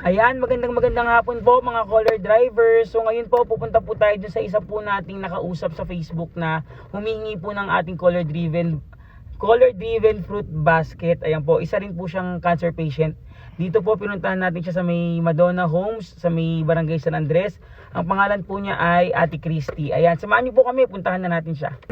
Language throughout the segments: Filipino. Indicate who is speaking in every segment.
Speaker 1: Ayan, magandang hapon po mga caller drivers. So ngayon po pupunta po tayo dun sa isa po nating nakausap sa Facebook na humihingi po ng ating caller driven fruit basket. Ayan po, isa rin po siyang cancer patient. Dito po pinuntahan natin siya sa may Madonna Homes, sa may Barangay San Andres. Ang pangalan po niya ay Ate Christy. Ayan, samahan niyo po kami, puntahan na natin siya.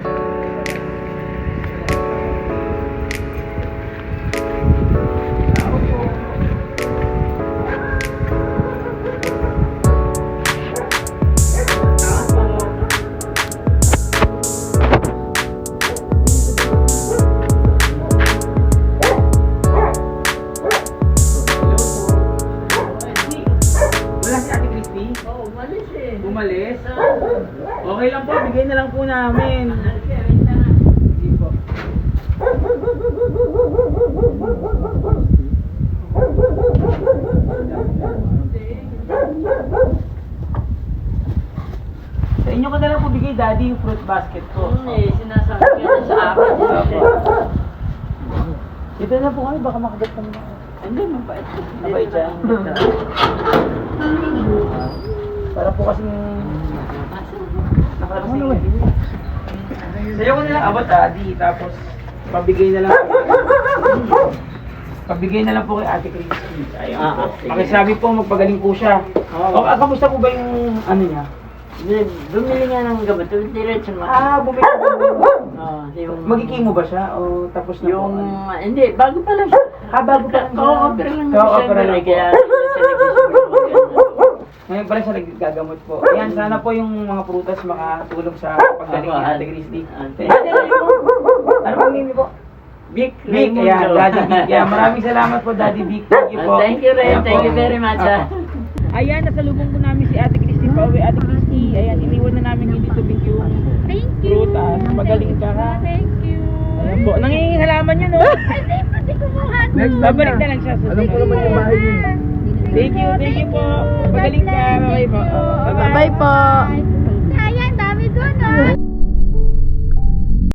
Speaker 1: Umalis? Okay lang po, bigay na lang po namin. Hindi po. Sa inyo ko na lang po bigay, Daddy, yung fruit basket ko.
Speaker 2: Sinasabi ko na sa akin.
Speaker 1: Dito na po kami, baka makagat kami na.
Speaker 2: Hindi, mabait.
Speaker 1: Mabait siya. Para po kasing nakalabas na sa'yo ko nilang abot, Daddy, tapos pabigay na lang po kay Ate Christy. Ayun po. Pakisabi po, magpagaling po siya. Kamusta po ba yung ano niya?
Speaker 2: Bumili nga ng gamot, diretso mo.
Speaker 1: Bumili
Speaker 2: Yung
Speaker 1: magkikimo ba siya? O tapos na
Speaker 2: yung,
Speaker 1: po?
Speaker 2: hindi, bago pa lang siya.
Speaker 1: Bago pa lang siya.
Speaker 2: Co-opera lang
Speaker 1: Co-opera lang po.
Speaker 2: kaya siya
Speaker 1: Ngayon pala siya nagagamot po. Ayan, sana po yung mga prutas makatulong sa paggaling ni Ate Christy. Ano pong name po?
Speaker 2: Vic
Speaker 1: Vic, ayan, Daddy Vic. Ayan, maraming salamat po, Daddy Vic. Thank you po.
Speaker 2: Thank you, Ray.
Speaker 1: Ayan
Speaker 2: Thank
Speaker 1: po.
Speaker 2: you very much.
Speaker 1: Ayan, nasalubong po namin si Ate Christy Pauwi. Ate Christy, ayan, iniwan na namin yung dito Vic yung prutas. Magaling ka ha.
Speaker 3: Thank you.
Speaker 1: Ayan po, nangingin halaman yun, no?
Speaker 3: Hindi, pati kumuha.
Speaker 1: Babalik na lang siya.
Speaker 4: Alam ko naman yung bahay niyo.
Speaker 1: Thank you po. Magaling ka. Bye po.
Speaker 3: Bye po.